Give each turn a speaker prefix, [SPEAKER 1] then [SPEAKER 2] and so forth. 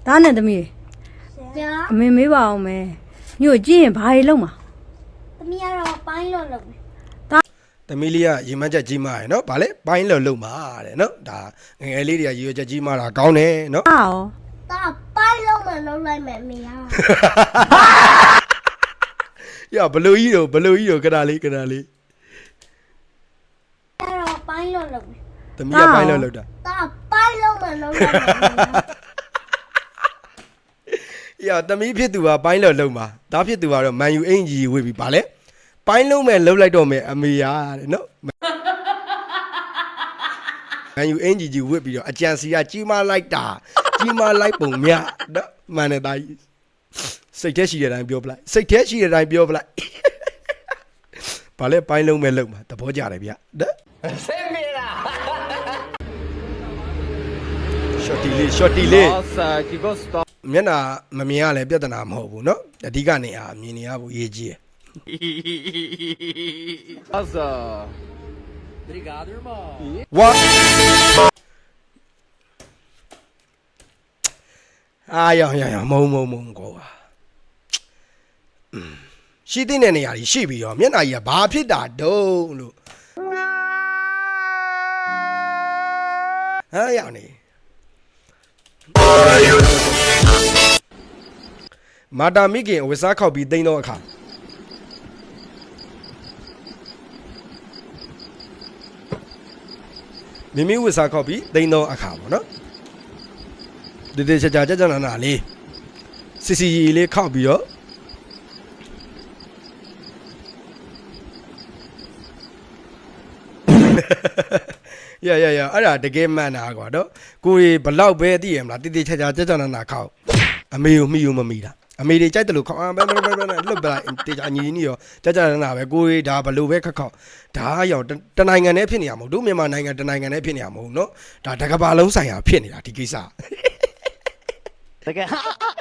[SPEAKER 1] သားနဲ့သမီးအမေမေးပါအောင်မယ်ညို့ကြည့်ရင်ဘာတွေလုံးမှာ
[SPEAKER 2] သမီးကတော့ပိုင်းလို့လုပ်မယ်
[SPEAKER 3] သမီးလေးကရေမန်းချက်ကြီးမားရယ်နော်ဗာလေပိုင်းလို့လုံမာတဲ့နော်ဒါငယ်ငယ်လေးတွေကရေရွက်ချက်ကြီးမားတာကောင်းတယ်နော်
[SPEAKER 1] ဟာရော
[SPEAKER 2] ဒါပိုင်းလို့မလုပ်လိုက်မယ်မေယာ
[SPEAKER 3] ရဘလူကြီးတို့ကဒါလေး
[SPEAKER 2] အဲ့တော့ပိုင်းလို့လုပ်မယ်
[SPEAKER 3] သမီးကပိုင်းလို့လုံတာ
[SPEAKER 2] ဒါပိုင်းလို့မလုပ်လိုက်မယ်မေယာ
[SPEAKER 3] ရသမီးဖြစ်သူကပိုင်းလို့လုံမှာဒါဖြစ်သူကတော့မန်ယူအင်ကြီးဝေးပြီဗာလေပိုင်းလုံးမဲ့လှုပ်လိုက်တော့မယ်အမေရတဲ့နော်မန်ယူအင်ကြီးဝစ်ပြီးတော့အကြံစီကကြီးမားလိုက်တာကြီးမားလိုက်ပုံမြနော်မှန်တယ်သားကြီးစိတ်ထဲရှိတဲ့အတိုင်းပြောပလိုက်စိတ်ထဲရှိတဲ့အတိုင်းပြောပလိုက်ဗာလေပိုင်းလုံးမဲ့လှုပ်မှာသဘောကျတယ်ဗျနော်ဆင်းမလားရှော့တီလေးမျက်နှာမမြင်ရလဲပြဿနာမဟုတ်ဘူးနော်အဓိကနေအားမြင်နေရဖို့အရေးကြီးတယ်
[SPEAKER 4] Obrigado, irmão.
[SPEAKER 3] ဝါအားရမုံကောရှိတဲ့နေရာကြီးရှိပြီးရောမျက်နှာကြီးကဘာဖြစ်တာတုံးလို့ဟာရနေမာတာမိခင်ဝစ်စားခောက်ပြီးတိန်းတော့အခါမိမိဝစ်စားခောက်ပြီးတိန်းတော့အခါပေါ့နော်တေချာနာလေးစီလေးခောက်ပြီးတော့ရအဲ့ဒါတကယ်မှန်တာကွာတော့ကိုရီဘလောက်ပဲသိရမလားတေချာနာခောက်အမေကိုမိယူမမိတာအမေတွေကြိုက်တယ်လို့ခေါက်ဘဲလွတ်ပလိုက်တေချာညီနီရောကြာနာပဲကိုရီဒါဘလို့ပဲခက်ခေါက်ဒါရောက်တနိုင်ငံနဲ့ဖြစ်နေရမဟုတ်တို့မြန်မာနိုင်ငံတနိုင်ငံနဲ့ဖြစ်နေရမဟုတ်နော်ဒါတကဘာလုံးဆိုင်ရာဖြစ်နေတာဒီကိစ္စ
[SPEAKER 4] Você quer?